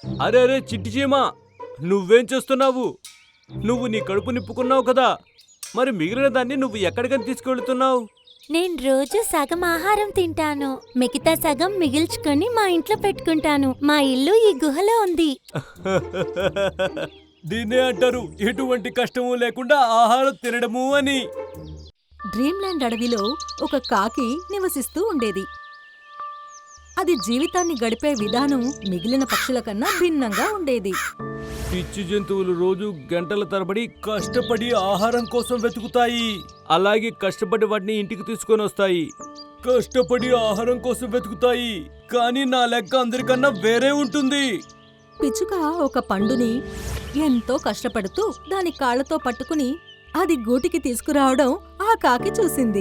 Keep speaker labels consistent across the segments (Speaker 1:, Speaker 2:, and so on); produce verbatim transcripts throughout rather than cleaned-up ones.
Speaker 1: అరే అరే చిట్టి చీమా, నువ్వేం చేస్తున్నావు? నువ్వు నీ కడుపు నింపుకున్నావు కదా, మరి మిగిలిన దాన్ని నువ్వు ఎక్కడికని తీసుకెళ్తున్నావు?
Speaker 2: నేను రోజు సగం ఆహారం తింటాను, మిగతా సగం మిగిల్చుకొని మా ఇంట్లో పెట్టుకుంటాను. మా ఇల్లు ఈ గుహలో ఉంది.
Speaker 1: దీన్నే అంటారు ఎటువంటి కష్టము లేకుండా ఆహారం తినడము అని.
Speaker 3: డ్రీమ్లాండ్ అడవిలో ఒక కాకి నివసిస్తూ ఉండేది. అది జీవితాన్ని గడిపే విధానం మిగిలిన పక్షుల కన్నా భిన్నంగా ఉండేది.
Speaker 1: పిచ్చి జంతువులు రోజు గంటల తరబడి కష్టపడి ఆహారం కోసం వెతుకుతాయి. అలాగే కష్టపడి వాటిని ఇంటికి తీసుకొని వస్తాయి. కష్టపడి ఆహారం కోసం వెతుకుతాయి, కానీ నా లెక్క అందరికన్నా వేరే ఉంటుంది.
Speaker 3: పిచ్చుక ఒక పండుని ఎంతో కష్టపడుతూ దాని కాళ్లతో పట్టుకుని అది గూటికి తీసుకురావడం ఆ కాకి చూసింది.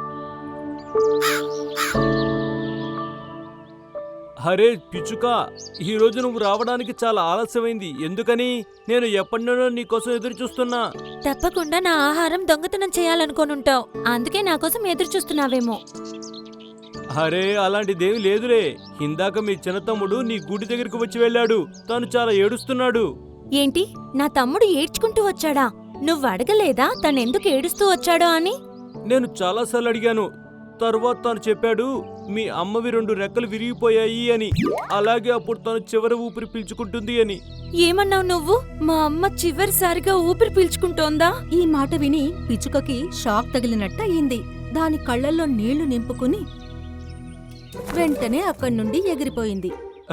Speaker 1: హరే పిచ్చుక, ఈ రోజు నువ్వు రావడానికి చాలా ఆలస్యమైంది. ఎందుకని? నేను ఎప్పటినో నీకోసం ఎదురు చూస్తున్నా.
Speaker 2: తప్పకుండా నా ఆహారం దొంగతనం చేయాలనుకోనుంటావు, అందుకే నా కోసం ఎదురు చూస్తున్నావేమో.
Speaker 1: అరే అలాంటిదేమి లేదులే. ఇందాక మీ చిన్న తమ్ముడు నీ గుడి దగ్గరికి వచ్చి వెళ్ళాడు. తను చాలా ఏడుస్తున్నాడు.
Speaker 2: ఏంటి, నా తమ్ముడు ఏడ్చుకుంటూ వచ్చాడా? నువ్వు అడగలేదా తనెందుకు ఏడుస్తూ వచ్చాడో అని?
Speaker 1: నేను చాలాసార్లు అడిగాను. తర్వాత తను చెప్పాడు మీ అమ్మవి రెండు రెక్కలు విరిగిపోయాయి అని. అలాగే అప్పుడు తను చివరి ఊపిరి పీల్చుకుంటుంది అని.
Speaker 2: ఏమన్నావు నువ్వు? మా అమ్మ చివరిసారిగా ఊపిరి పీల్చుకుంటోందా?
Speaker 3: ఈ మాట విని పిచ్చుకకి షాక్ తగిలినట్టు అయింది. దాని కళ్ళల్లో నీళ్లు నింపుకుని వెంటనే అక్కడి నుండి ఎగిరిపోయింది.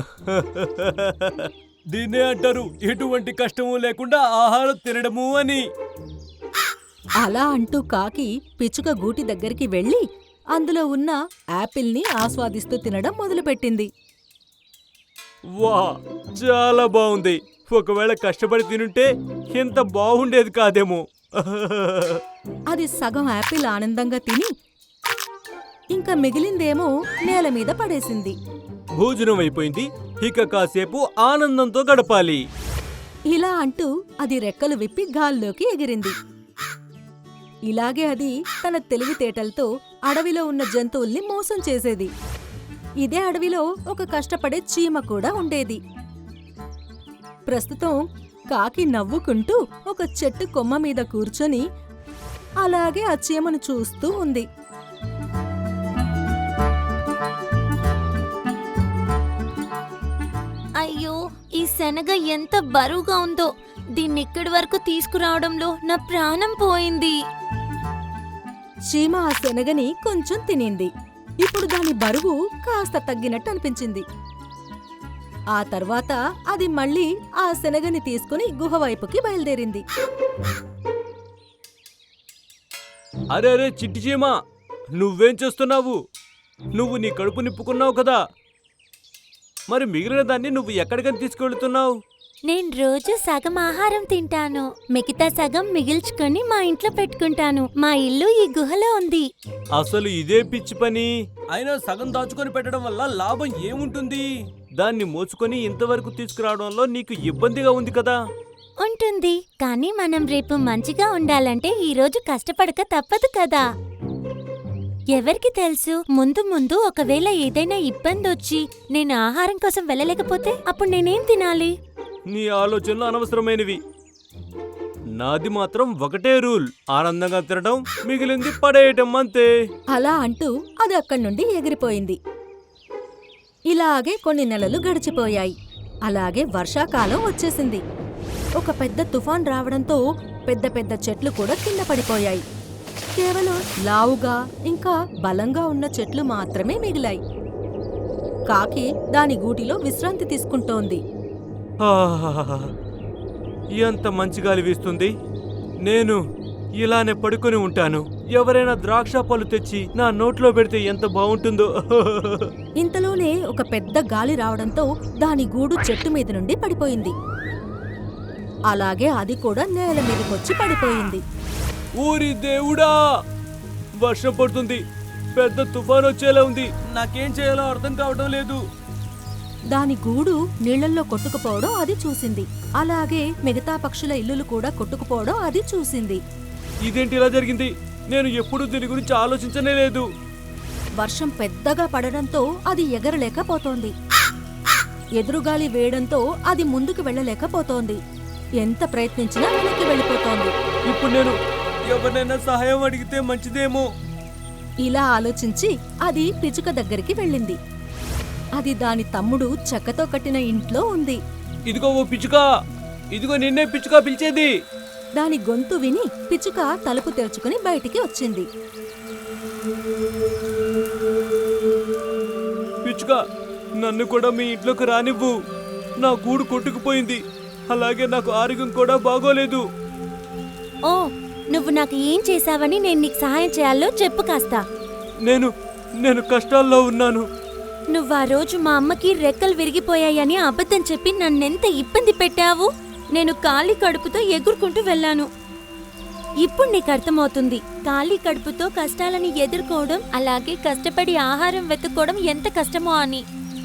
Speaker 1: దీన్నే అంటారు ఎటువంటి కష్టము లేకుండా ఆహారం తినడము అని.
Speaker 3: అలా అంటూ కాకి పిచ్చుక గూటి దగ్గరికి వెళ్లి అందులో ఉన్న యాపిల్ని ఆస్వాదిస్తూ తినడం మొదలుపెట్టింది.
Speaker 1: వా, చాలా బాగుంది. ఒకవేళ కష్టపడి తినుంటే ఇంత బాగుండేది కాదేమో.
Speaker 3: అది సగం యాపిల్ ఆనందంగా తిని ఇంకా మిగిలిందేమో నేల మీద పడేసింది.
Speaker 1: భోజనం అయిపోయింది, ఇక కాసేపు ఆనందంతో గడపాలి.
Speaker 3: ఇలా అంటూ అది రెక్కలు విప్పి గాల్లోకి ఎగిరింది. ఇలాగే అది తన తెలివితేటలతో అడవిలో ఉన్న జంతువుల్ని మోసం చేసేది. ఇదే అడవిలో ఒక కష్టపడే చీమ కూడా ఉండేది. ప్రస్తుతం కాకి నవ్వుకుంటూ ఒక చెట్టు కొమ్మ మీద కూర్చొని అలాగే ఆ చీమను చూస్తూ ఉంది.
Speaker 2: అయ్యో, ఈ శనగ ఎంత బరువుగా ఉందో. దీన్ని ఇక్కడి వరకు తీసుకురావడంలో నా ప్రాణం పోయింది.
Speaker 3: చీమ ఆ శనగని కొంచెం తినింది. ఇప్పుడు దాని బరువు కాస్త తగ్గినట్టు అనిపించింది. ఆ తర్వాత అది మళ్ళీ ఆ శనగని తీసుకుని గుహ వైపుకి బయలుదేరింది.
Speaker 1: అరే అరే చిట్టి చీమా, నువ్వేం చేస్తున్నావు? నువ్వు నీ కడుపు నింపుకున్నావు కదా, మరి మిగిలిన దాన్ని నువ్వు ఎక్కడికని తీసుకెళ్తున్నావు?
Speaker 2: నేను రోజు సగం ఆహారం తింటాను, మిగతా సగం మిగిల్చుకొని మా ఇంట్లో పెట్టుకుంటాను. మా ఇల్లు ఈ గుహలో ఉంది.
Speaker 1: అసలు ఇదే పిచ్చి పని. అయినా సగం దాచుకొని పెట్టడం వల్ల లాభం ఏముంటుంది? దాన్ని మోసుకొని ఇంతవరకు తీసుకురావడంలో నీకు ఇబ్బందిగా ఉంది కదా.
Speaker 2: ఉంటుంది, కానీ మనం రేపు మంచిగా ఉండాలంటే ఈ రోజు కష్టపడక తప్పదు కదా. ఎవరికి తెలుసు, ముందు ముందు ఒకవేళ ఏదైనా ఇబ్బంది వచ్చి నేను ఆహారం కోసం వెళ్ళలేకపోతే అప్పుడు నేనేం తినాలి?
Speaker 1: నీ ఆలోచనలు అనవసరమైనవి. నాది మాత్రం ఒకటే రూల్, ఆనందంగా తినడం, మిగిలింది పడేయటం, అంతే.
Speaker 3: అలా అంటూ అది అక్కడి నుండి ఎగిరిపోయింది. ఇలాగే కొన్ని నెలలు గడిచిపోయాయి. అలాగే వర్షాకాలం వచ్చేసింది. ఒక పెద్ద తుఫాన్ రావడంతో పెద్ద పెద్ద చెట్లు కూడా కింద పడిపోయాయి. కేవలం లావుగా ఇంకా బలంగా ఉన్న చెట్లు మాత్రమే మిగిలాయి. కాకి దాని గూటిలో విశ్రాంతి తీసుకుంటోంది.
Speaker 1: ఆహాహాహా, ఎంత మంచి గాలి వీస్తుంది. నేను ఇలానే పడుకొని ఉంటాను. ఎవరైనా ద్రాక్ష పళ్ళు తెచ్చి నా నోట్లో పెడితే ఎంత బాగుంటుందో.
Speaker 3: ఇంతలోనే ఒక పెద్ద గాలి రావడంతో దాని గూడు చెట్టు మీద నుండి పడిపోయింది. అలాగే అది కూడా నేల మీదకొచ్చి పడిపోయింది.
Speaker 1: ఊరి దేవుడా, వర్షం పడుతుంది, పెద్ద తుఫాన్ వచ్చేలా ఉంది. నాకేం చేయాలో అర్థం కావడం లేదు.
Speaker 3: దాని గూడు నీళ్లల్లో కొట్టుకుపోవడం అది చూసింది. అలాగే మిగతా పక్షుల ఇల్లులు కూడా కొట్టుకుపోవడం అది చూసింది.
Speaker 1: ఇదేంటి ఇలా జరిగింది? నేను ఎప్పుడూ దీని గురించి ఆలోచించనే లేదు.
Speaker 3: వర్షం పెద్దగా పడడంతో అది ఎగరలేకపోతోంది. ఎదురుగాలి వేయడంతో అది ముందుకు వెళ్ళలేకపోతోంది. ఎంత ప్రయత్నించినా వెనక్కి వెళ్ళిపోతోంది.
Speaker 1: ఇప్పుడు నేను ఎవరినైనా సహాయం అడిగితే మంచిదేమో.
Speaker 3: ఇలా ఆలోచించి అది పిచ్చుక దగ్గరికి వెళ్ళింది. అది దాని తమ్ముడు చెక్కతో కట్టిన ఇంట్లో ఉంది.
Speaker 1: ఇదిగో ఓ పిచ్చుక, ఇదిగో నిన్నే పిచ్చుక పిలిచేది.
Speaker 3: దాని గొంతు విని పిచ్చుక తలుపు తెరుచుకుని బయటికి వచ్చింది.
Speaker 1: పిచ్చుక, నన్ను కూడా మీ ఇంట్లోకి రానివ్వు. నా గూడు కొట్టుకుపోయింది, అలాగే నాకు ఆరోగ్యం కూడా బాగోలేదు.
Speaker 2: ఓ, నువ్వు నాకు ఏం చేశావని నేను నీకు సహాయం చేయాలో చెప్పు కాస్త.
Speaker 1: నేను నేను కష్టాల్లో ఉన్నాను.
Speaker 2: నువ్వు ఆ రోజు మా అమ్మకి రెక్కలు విరిగిపోయాయని అబద్ధం చెప్పి నన్నెంత ఇబ్బంది పెట్టావు. నేను ఖాళీ కడుపుతో ఎగురుకుంటూ వెళ్ళాను. ఇప్పుడు నీకు అర్థమవుతుంది ఖాళీ కడుపుతో కష్టాలని ఎదుర్కోవడం, అలాగే కష్టపడి ఆహారం వెతుక్కోవడం ఎంత కష్టమో అని.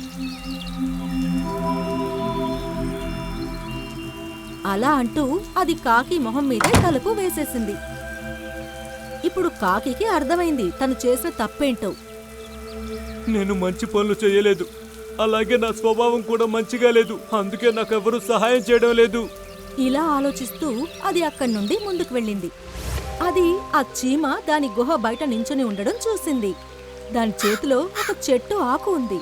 Speaker 3: అలా అంటూ అది కాకి మొహం మీదే తలుపు వేసేసింది. ఇప్పుడు కాకికి అర్థమైంది తను చేసిన తప్పేంటో.
Speaker 1: నేను మంచి పనులు చేయలేదు, అలాగే నా స్వభావం కూడా మంచిగా లేదు, అందుకే నాకెవరూ సహాయం చేయడం లేదు.
Speaker 3: ఇలా ఆలోచిస్తూ అది అక్కడి నుండి ముందుకు వెళ్ళింది. అది ఆ చీమ దాని గుహ బయట నించుని ఉండడం చూసింది. దాని చేతిలో ఒక చెట్టు ఆకు ఉంది.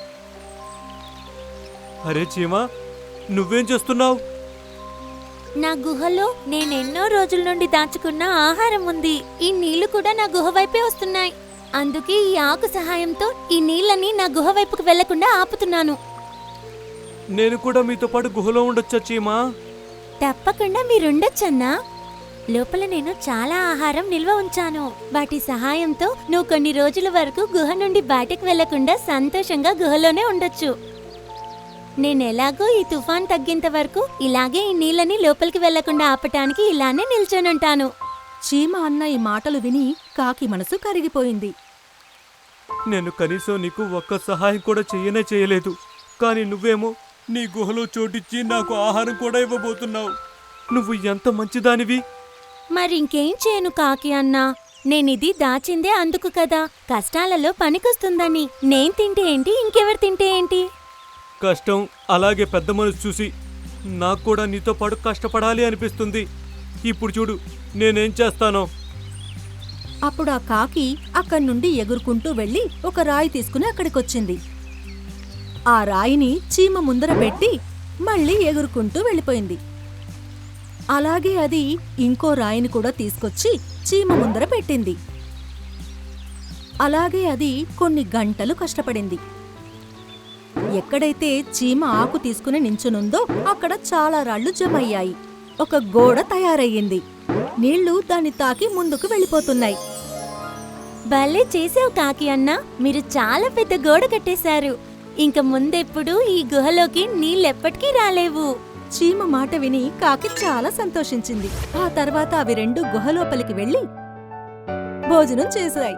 Speaker 1: అరే చీమా, నువ్వేం చేస్తున్నావు?
Speaker 2: నా గుహలో నేనెన్నో రోజుల నుండి దాచుకున్న ఆహారం ఉంది. ఈ నీళ్లు కూడా నా గుహ వైపే వస్తున్నాయి. అందుకే ఈ ఆకు సహాయంతో ఈ నీళ్ళని నా గుహ వైపుకు వెళ్లకుండా ఆపుతున్నాను.
Speaker 1: నేను కూడా మీతో పాటు గుహలో ఉండొచ్చా చీమా?
Speaker 2: తప్పకుండా మీరుండొచ్చన్నా. లోపల నేను చాలా ఆహారం నిల్వ ఉంచాను. వాటి సహాయంతో నువ్వు కొన్ని రోజుల వరకు గుహ నుండి బయటకు వెళ్లకుండా సంతోషంగా గుహలోనే ఉండొచ్చు. నేనెలాగో ఈ తుఫాన్ తగ్గేంత వరకు ఇలాగే ఈ నీళ్ళని లోపలికి వెళ్లకుండా ఆపటానికి ఇలానే నిల్చొనుంటాను.
Speaker 3: చీమ అన్న ఈ మాటలు విని కాకి మనసు కరిగిపోయింది.
Speaker 1: నేను కనీసం నీకు ఒక్క సహాయం కూడా చెయ్యనే చేయలేదు, కానీ నువ్వేమో నీ గుహలో చోటిచ్చి నాకు ఆహారం కూడా ఇవ్వబోతున్నావు. నువ్వు ఎంత మంచిదానివి.
Speaker 2: మరింకేం చేయను కాకి అన్నా. నేనిది దాచిందే అందుకు కదా, కష్టాలలో పనికొస్తుందని. నేను తింటే ఏంటి, ఇంకెవరు తింటే ఏంటి?
Speaker 1: కష్టం అలాగే పెద్ద మనసు చూసి నాకు కూడా నీతో పాటు కష్టపడాలి అనిపిస్తుంది. ఇప్పుడు చూడు నేనేం చేస్తానో.
Speaker 3: అప్పుడు ఆ కాకి అక్కడి నుండి ఎగురుకుంటూ వెళ్లి ఒక రాయి తీసుకుని అక్కడికొచ్చింది. ఆ రాయిని చీమ ముందర పెట్టి మళ్ళీ ఎగురుకుంటూ వెళ్ళిపోయింది. అలాగే అది ఇంకో రాయిని కూడా తీసుకొచ్చి చీమ ముందర పెట్టింది. అలాగే అది కొన్ని గంటలు కష్టపడింది. ఎక్కడైతే చీమ ఆకు తీసుకుని నించునుందో అక్కడ చాలా రాళ్లు జమయ్యాయి. ఒక గోడ తయారయ్యింది. నీళ్లు దాన్ని తాకి ముందుకు వెళ్ళిపోతున్నాయి.
Speaker 2: భలే చేసావు కాకి అన్నా. మీరు చాలా పెద్ద గోడ కట్టేశారు. ఇంక ముందెప్పుడు ఈ గుహలోకి నీళ్ళెప్పటికీ రాలేవు.
Speaker 3: చీమ మాట విని కాకి చాలా సంతోషించింది. ఆ తర్వాత అవి రెండు గుహలోపలికి వెళ్లి భోజనం చేశాయి.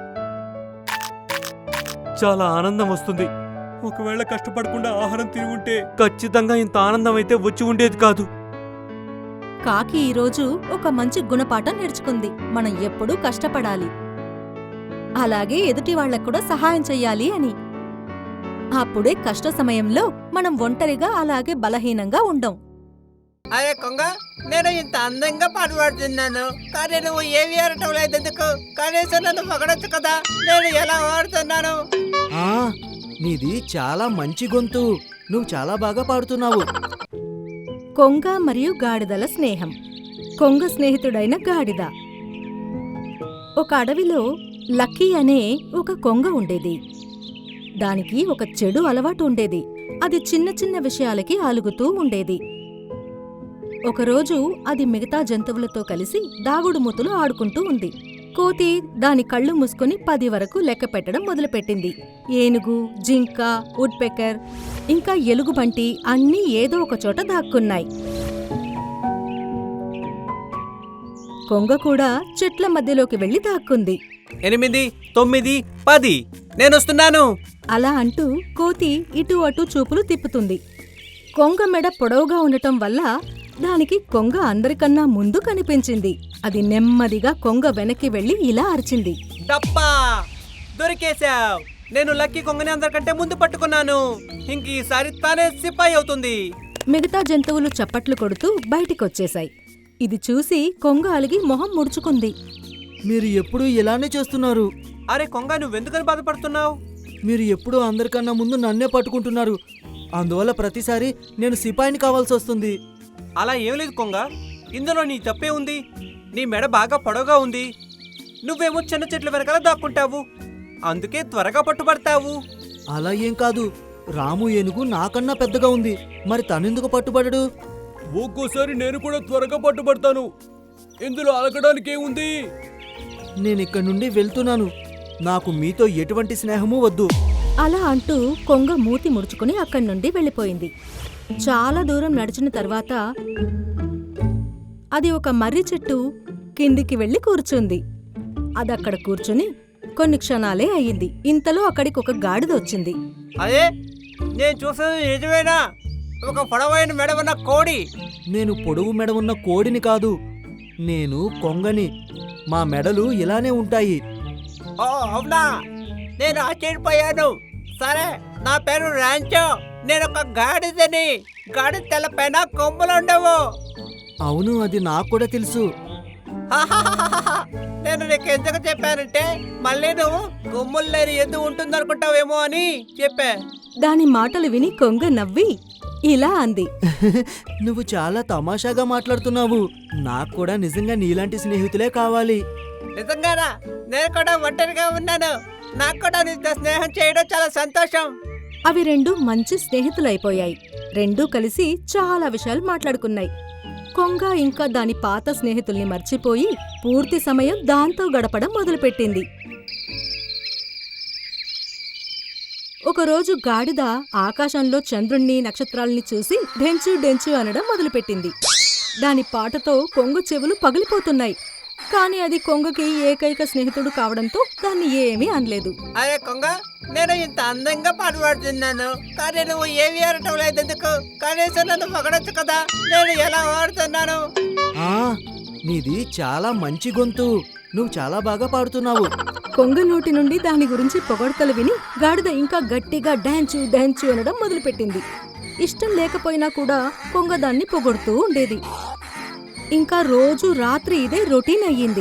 Speaker 1: చాలా ఆనందం వస్తుంది. ఒకవేళ కష్టపడకుండా ఆహారం తిని ఉంటే ఖచ్చితంగా ఇంత ఆనందం అయితే వచ్చి ఉండేది కాదు.
Speaker 3: కాకి ఈరోజు ఒక మంచి గుణపాఠం నేర్చుకుంది. మనం ఎప్పుడూ కష్టపడాలి, అలాగే ఎదుటి వాళ్లకు కూడా సహాయం చెయ్యాలి అని. అప్పుడే కష్ట సమయంలో మనం ఒంటరిగా అలాగే బలహీనంగా ఉండం.
Speaker 4: అరే కొంగ, నేను ఇంత అందంగా పాట పాడుతున్నాను, కానీ నువ్వు ఏమి ఆడటం లేదు ఎందుకు? కనీసం నన్ను పగడొచ్చు కదా, నేను ఎలా పాడుతున్నాను?
Speaker 5: ఆ, నీది చాలా మంచి గొంతు, నువ్వు చాలా బాగా పాడుతున్నావు.
Speaker 3: కొంగ మరియు గాడిదల స్నేహం. కొంగ స్నేహితుడైన గాడిద. ఒక అడవిలో లక్కీ అనే ఒక కొంగ ఉండేది. దానికి ఒక చెడు అలవాటు ఉండేది. అది చిన్న చిన్న విషయాలకి అలుగుతూ ఉండేది. ఒకరోజు అది మిగతా జంతువులతో కలిసి దాగుడుమూతలు ఆడుకుంటూ ఉంది. కోతి దాని కళ్ళు మూసుకొని పది వరకు లెక్క పెట్టడం మొదలుపెట్టింది. ఏనుగు, జింక, వుడ్పెకర్ ఇంకా ఎలుగుబంటి అన్నీ ఏదో ఒక చోట దాక్కున్నాయి. కొంగ కూడా చెట్ల మధ్యలోకి వెళ్లి దాక్కుంది.
Speaker 4: ఎనిమిది, తొమ్మిది, పది, నేను వస్తున్నాను.
Speaker 3: అలా అంటూ కోతి ఇటు అటు చూపులు తిప్పుతుంది. కొంగ మెడ పొడవుగా ఉండటం వల్ల దానికి కొంగ అందరికన్నా ముందు కనిపించింది. అది నెమ్మదిగా కొంగ వెనక్కి వెళ్లి ఇలా అరిచింది.
Speaker 4: డప్పా, దొరికేశావ్. నేను లక్కీ కొంగని అందరికంటే ముందు పట్టుకున్నాను. ఇంక ఈసారి తానే సిపాయి అవుతుంది.
Speaker 3: మిగతా జంతువులు చప్పట్లు కొడుతూ బయటికొచ్చేశాయి. ఇది చూసి కొంగ అలిగి మొహం ముడుచుకుంది.
Speaker 5: మీరు ఎప్పుడూ ఇలానే చేస్తున్నారు.
Speaker 4: అరే కొంగ, నువ్వెందుకని బాధపడుతున్నావు?
Speaker 5: మీరు ఎప్పుడూ అందరికన్నా ముందు నన్నే పట్టుకుంటున్నారు. అందువల్ల ప్రతిసారి నేను సిపాయిని కావాల్సి వస్తుంది.
Speaker 4: అలా ఏం లేదు కొంగ, ఇందులో నీ తప్పే ఉంది. నీ మెడ బాగా పొడవుగా ఉంది. నువ్వేమో చిన్న చెట్ల వెనకాల దాక్కుంటావు, అందుకే త్వరగా పట్టుబడతావు.
Speaker 5: అలా ఏం కాదు, రాము ఏనుగు నాకన్నా పెద్దగా ఉంది. మరి తనెందుకు పట్టుబడడు?
Speaker 1: ఒక్కోసారి నేను కూడా త్వరగా పట్టుబడతాను. ఇందులో అలకడానికి ఏముంది?
Speaker 5: నేనిక్కడి నుండి వెళ్తున్నాను. నాకు మీతో ఎటువంటి స్నేహమూ వద్దు.
Speaker 3: అలా అంటూ కొంగ మూతి ముడుచుకుని అక్కడి నుండి వెళ్ళిపోయింది. చాలా దూరం నడిచిన తర్వాత అది ఒక మర్రి చెట్టు కిందికి వెళ్లి కూర్చుంది. అదక్కడ కూర్చుని కొన్ని క్షణాలే అయ్యింది. ఇంతలో అక్కడికి ఒక గాడిద వచ్చింది.
Speaker 4: అదే నేను చూసేది నిజమేనా? ఒక పొడవైన మెడ ఉన్న కోడి.
Speaker 5: నేను పొడవు మెడ ఉన్న కోడిని కాదు, నేను కొంగని. మా మెడలు ఇలానే ఉంటాయి.
Speaker 4: ఓ అవునా, నేను ఆశ్చర్యపోయాను. సరే, నా పేరు రాంచో. నేను ఒక గాడిదని. గాడి తెల్లపైన కొమ్ములు ఉండవు.
Speaker 5: అవును, అది నాకు కూడా తెలుసు.
Speaker 4: హాహాహాహా. నేను నీకు ఎందుకు చెప్పానంటే మళ్ళీ నువ్వు కొమ్ములు లేని ఎద్దు ఉంటుందనుకుంటావేమో అని చెప్పా.
Speaker 3: దాని మాటలు విని కొంగ నవ్వి ఇలా అంది.
Speaker 5: నువ్వు చాలా తమాషాగా మాట్లాడుతున్నావు. నాకు కూడా నిజంగా నీలాంటి స్నేహితులే కావాలి.
Speaker 4: నిజంగానా? నేను కూడా ఒంటరిగా ఉన్నాను. నాకు కూడా నీతో స్నేహం చేయడం చాలా సంతోషం.
Speaker 3: అవి రెండు మంచి స్నేహితులైపోయాయి. రెండూ కలిసి చాలా విషయాలు మాట్లాడుకున్నాయి. కొంగ ఇంకా దాని పాత స్నేహితుల్ని మర్చిపోయి పూర్తి సమయం దాంతో గడపడం మొదలుపెట్టింది. ఒకరోజు గాడిద ఆకాశంలో చంద్రుణ్ణి నక్షత్రాల్ని చూసి డెంచు డెంచు అనడం మొదలుపెట్టింది. దాని పాటతో కొంగ చెవులు పగిలిపోతున్నాయి. కాని అది కొంగకి ఏకైక స్నేహితుడు కావడంతో దాన్ని ఏమీ అనలేదు.
Speaker 4: అరే కొంగ, నేను ఇంత అందంగా పాట పాడుతున్నాను, కానీ నువ్వు ఏమి ఆడటం లేదు ఎందుకు? కనీసం నన్ను పొగడొచ్చు కదా, నేను ఎలా పాడుతున్నాను.
Speaker 5: ఆ నీది చాలా మంచి గొంతు. నువ్వు చాలా బాగా పాడుతున్నావు.
Speaker 3: కొంగ నోటి నుండి దాని గురించి పొగడ్తలు విని గాడిద ఇంకా గట్టిగా డాన్చు డాన్చు అనడం మొదలుపెట్టింది. ఇష్టం లేకపోయినా కూడా కొంగ దాన్ని పొగడుతూ ఉండేది. ఇంకా రోజు రాత్రి ఇదే రొటీన్ అయ్యింది.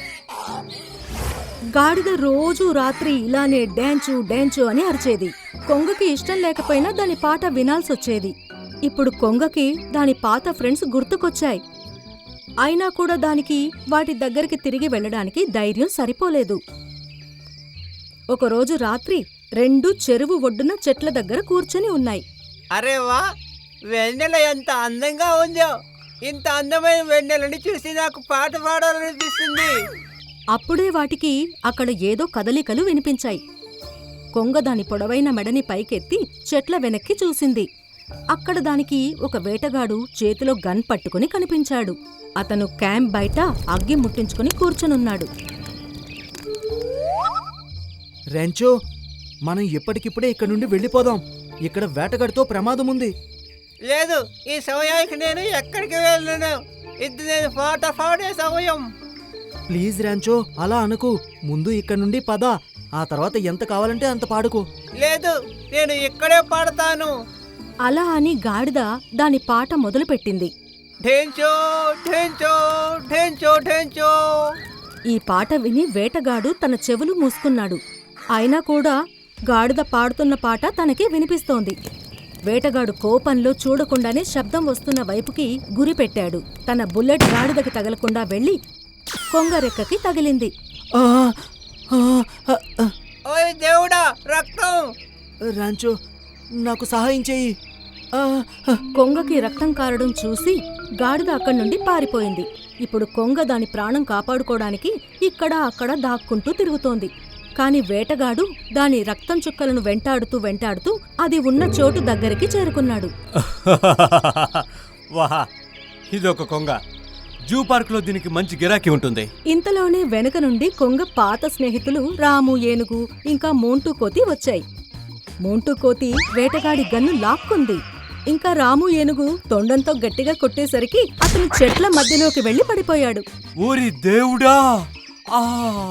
Speaker 3: గాడిద రోజు రాత్రి ఇలానే డాన్చు డాన్చు అని అరిచేది. కొంగకి ఇష్టం లేకపోయినా దాని పాట వినాల్సొచ్చేది. ఇప్పుడు కొంగకి దాని పాత ఫ్రెండ్స్ గుర్తుకొచ్చాయి. అయినా కూడా దానికి వాటి దగ్గరికి తిరిగి వెళ్ళడానికి ధైర్యం సరిపోలేదు. ఒకరోజు రాత్రి రెండు చెరువు ఒడ్డున చెట్ల దగ్గర కూర్చొని ఉన్నాయి.
Speaker 4: అరే వా, వెన్నెల ఎంత అందంగా ఉందో. ఇంత అందమైన వెన్నెలని చూసి నాకు పాట పాడాలనిపిస్తుంది.
Speaker 3: అప్పుడే వాటికి అక్కడ ఏదో కదలికలు వినిపించాయి. కొంగ దాని పొడవైన మెడని పైకెత్తి చెట్ల వెనక్కి చూసింది. అక్కడ దానికి ఒక వేటగాడు చేతిలో గన్ పట్టుకుని కనిపించాడు. అతను క్యాంప్ బయట అగ్గి ముట్టించుకుని కూర్చొనున్నాడు.
Speaker 5: రెంచో, మనం ఇప్పటికిప్పుడే ఇక్కడి నుండి వెళ్ళిపోదాం. ఇక్కడ వేటగాడితో ప్రమాదం ఉంది.
Speaker 4: లేదు, ఈ సమయానికి నేను ఎక్కడికి వెళ్ళను. ఇది నేను పాట పాడే సమయం.
Speaker 5: ప్లీజ్ ర్యాంచో, అలా అనుకు. ముందు ఇక్కడి నుండి పద, ఆ తర్వాత ఎంత కావాలంటే అంత పాడుకో.
Speaker 4: లేదు, నేను ఇక్కడే పాడతాను.
Speaker 3: అలా అని గాడిద దాని పాట మొదలుపెట్టింది.
Speaker 4: ఢేంచో ఢేంచో ఢేంచో ఢేంచో.
Speaker 3: ఈ పాట విని వేటగాడు తన చెవులు మూసుకున్నాడు. అయినా కూడా గాడిద పాడుతున్న పాట తనకి వినిపిస్తోంది. వేటగాడు కోపంలో చూడకుండానే శబ్దం వస్తున్న వైపుకి గురిపెట్టాడు. తన బుల్లెట్ గాడిదకి తగలకుండా వెళ్లి కొంగరెక్కకి తగిలింది.
Speaker 5: ఆ, ఆ, ఆ, ఆ.
Speaker 4: ఓయ్ దేవుడా, రక్తం!
Speaker 5: ర్యాంచో, నాకు సహాయం చెయ్యి. ఆ, ఆ.
Speaker 3: కొంగకి రక్తం కారడం చూసి గాడిద అక్కడి నుండి పారిపోయింది. ఇప్పుడు కొంగ దాని ప్రాణం కాపాడుకోవడానికి ఇక్కడ అక్కడ దాక్కుంటూ తిరుగుతోంది. కాని వేటగాడు దాని రక్తం చుక్కలను వెంటాడుతూ వెంటాడుతూ అది ఉన్న చోటు దగ్గరికి చేరుకున్నాడు.
Speaker 1: వాహా, ఇదొక కొంగ. జూ పార్క్ లో దీనికి మంచి గిరాకీ ఉంటుంది.
Speaker 3: ఇంతలోనే వెనుక నుండి కొంగ పాత స్నేహితులు రాము ఏనుగు ఇంకా మోంటూ కోతి వచ్చాయి. మోంటూ కోతి వేటగాడి గన్ను లాక్కుంది. ఇంకా రాము ఏనుగు తొండంతో గట్టిగా కొట్టేసరికి అతను చెట్ల మధ్యలోకి వెళ్లి పడిపోయాడు.
Speaker 1: ఊరి దేవుడా! ఆ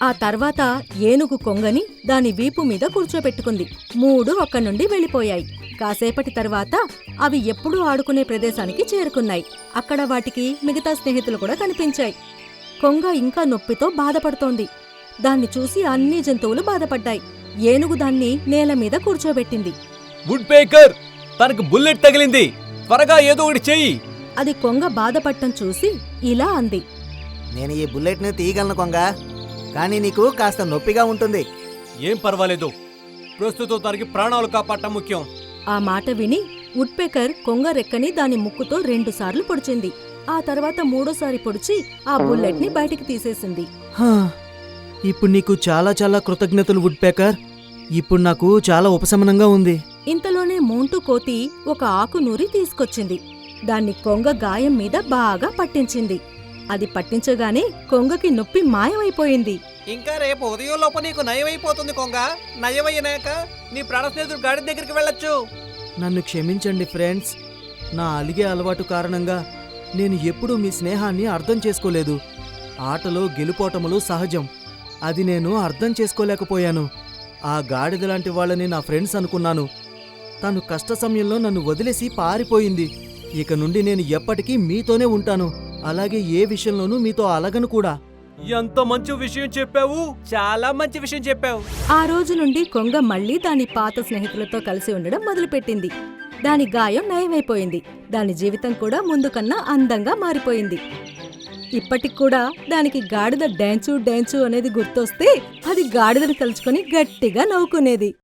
Speaker 3: ఆ తర్వాత ఏనుగు కొంగని దాని వీపు మీద కూర్చోబెట్టుకుంది. మూడు అక్కడి నుండి వెళ్ళిపోయాయి. కాసేపటి తర్వాత అవి ఎప్పుడూ ఆడుకునే ప్రదేశానికి చేరుకున్నాయి. అక్కడ వాటికి మిగతా స్నేహితులు కూడా కనిపించాయి. కొంగ ఇంకా నొప్పితో బాధపడుతోంది. దాన్ని చూసి అన్ని జంతువులు బాధపడ్డాయి. ఏనుగు దాన్ని నేల మీద కూర్చోబెట్టింది.
Speaker 1: వుడ్ పేకర్, తనకు బుల్లెట్ తగిలింది, త్వరగా ఏదో ఒకటి చెయ్యి.
Speaker 3: అది కొంగ బాధపడటం చూసి ఇలా అంది.
Speaker 5: నేను ఈ బుల్లెట్ని తీయగలను కొంగ, కానీ నీకు కాస్త నొప్పిగా ఉంటుంది.
Speaker 1: ఏం పర్వాలేదు, ప్రస్తుతం తనకి ప్రాణాలు కాపాడటం ముఖ్యం.
Speaker 3: ఆ మాట విని వుడ్పెకర్ కొంగ రెక్కని దాని ముక్కుతో రెండుసార్లు పొడిచింది. ఆ తర్వాత మూడోసారి పొడిచి ఆ బుల్లెట్ని బయటికి తీసేసింది.
Speaker 5: హా, ఇప్పుడు నీకు చాలా చాలా కృతజ్ఞతలు వుడ్ పేకర్. ఇప్పుడు నాకు చాలా ఉపశమనంగా ఉంది.
Speaker 3: ఇంతలోనే మోంటూ కోతి ఒక ఆకు నూరి తీసుకొచ్చింది. దాన్ని కొంగ గాయం మీద బాగా పట్టించింది. అది పట్టించగానే కొంగకి నొప్పి మాయమైపోయింది.
Speaker 4: ఇంకా రేపు ఉదయం లోపు నీకు నయమైపోతుంది కొంగ. నయమయ్యాక నీ ప్రాణ స్నేహితుడు గాడి దగ్గరికి వెళ్ళొచ్చు.
Speaker 5: నన్ను క్షమించండి ఫ్రెండ్స్. నా అలిగే అలవాటు కారణంగా నేను ఎప్పుడూ మీ స్నేహాన్ని అర్థం చేసుకోలేదు. ఆటలో గెలుపోటములు సహజం, అది నేను అర్థం చేసుకోలేకపోయాను. ఆ గాడిద లాంటి వాళ్ళని నా ఫ్రెండ్స్ అనుకున్నాను. తను కష్ట సమయంలో నన్ను వదిలేసి పారిపోయింది. ఇక నుండి నేను ఎప్పటికీ మీతోనే ఉంటాను. అలాగే ఏ విషయంలోనూ మీతో అలగను కూడా.
Speaker 1: ఎంత మంచి విషయం చెప్పావు, చాలా మంచి విషయం చెప్పావు.
Speaker 3: ఆ రోజు నుండి కొంగ మళ్ళీ దాని పాత స్నేహితులతో కలిసి ఉండడం మొదలుపెట్టింది. దాని గాయం నయమైపోయింది. దాని జీవితం కూడా ముందు కన్నా అందంగా మారిపోయింది. ఇప్పటికి కూడా దానికి గాడిద డాన్సు డాన్సు అనేది గుర్తొస్తే అది గాడిదని తలుచుకొని గట్టిగా నవ్వుకునేది.